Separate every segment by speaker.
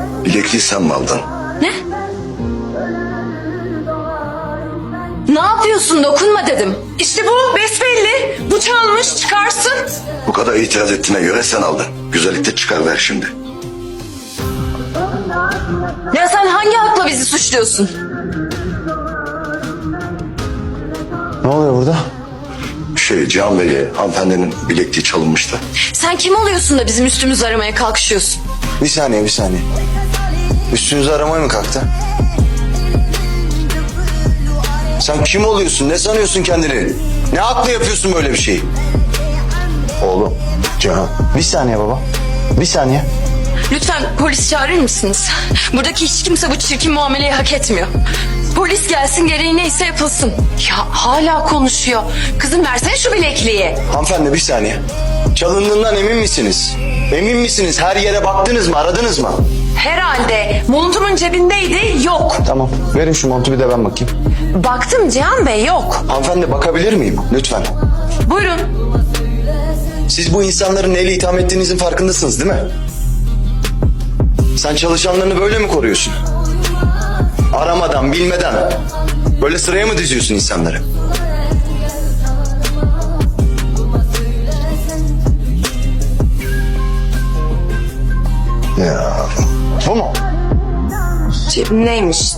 Speaker 1: Bilekliği sen mi aldın?
Speaker 2: Ne? Ne yapıyorsun? Dokunma dedim. İşte bu besbelli. Bu çalmış, çıkarsın.
Speaker 1: Bu kadar itiraz ettiğine göre sen aldın. Güzellikte çıkar ver şimdi.
Speaker 2: Ya sen hangi hakla bizi suçluyorsun?
Speaker 3: Ne oluyor burada?
Speaker 1: Cihan Bey'e hanımefendinin bilekliği çalınmıştı.
Speaker 2: Sen kim oluyorsun da bizim üstümüzü aramaya kalkışıyorsun?
Speaker 3: Bir saniye. Üstünüzü aramaya mı kalktı? Sen kim oluyorsun? Ne sanıyorsun kendini? Ne akla yapıyorsun böyle bir şeyi? Oğlum, Cihan. Bir saniye baba. Bir saniye.
Speaker 2: Lütfen polis çağırır mısınız? Buradaki hiç kimse bu çirkin muameleyi hak etmiyor. Polis gelsin, gereği neyse yapılsın. Ya hala konuşuyor. Kızım versene şu bilekliği.
Speaker 3: Hanımefendi bir saniye. Çalındığından emin misiniz? Emin misiniz? Her yere baktınız mı? Aradınız mı?
Speaker 2: Herhalde montumun cebindeydi, yok.
Speaker 3: Tamam. Verin şu montu bir de ben bakayım.
Speaker 2: Baktım Cihan Bey, yok.
Speaker 3: Hanımefendi bakabilir miyim? Lütfen.
Speaker 2: Buyurun.
Speaker 3: Siz bu insanların neyle itham ettiğinizin farkındasınız değil mi? Sen çalışanlarını böyle mi koruyorsun? Aramadan, bilmeden. Böyle sıraya mı diziyorsun insanları? Ya bu mu?
Speaker 2: Cebimdeymiş.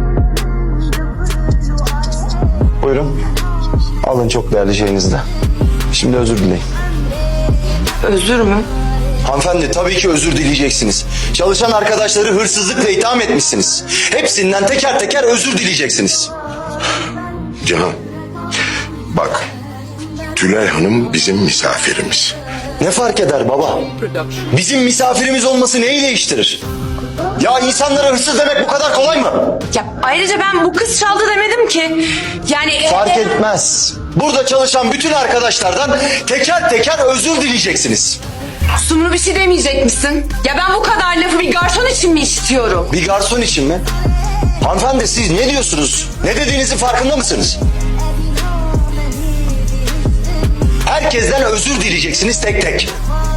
Speaker 3: Buyurun. Alın çok değerli şeyinizi de. Şimdi özür dileyin.
Speaker 2: Özür mü?
Speaker 3: Hanımefendi tabii ki özür dileyeceksiniz. Çalışan arkadaşları hırsızlıkla itham etmişsiniz. Hepsinden teker teker özür dileyeceksiniz.
Speaker 1: Cihan, bak, Tülay Hanım bizim misafirimiz.
Speaker 3: Ne fark eder baba? Bizim misafirimiz olması neyi değiştirir? Ya insanlara hırsız demek bu kadar kolay mı?
Speaker 2: Ya ayrıca ben bu kız çaldı demedim ki. Yani
Speaker 3: Fark etmez. Burada çalışan bütün arkadaşlardan teker teker özür dileyeceksiniz.
Speaker 2: Sumru bir şey demeyecek misin? Ya ben bu kadar lafı bir garson için mi istiyorum?
Speaker 3: Bir garson için mi? Hanımefendi siz ne diyorsunuz? Ne dediğinizin farkında mısınız? Herkesten özür dileyeceksiniz tek tek.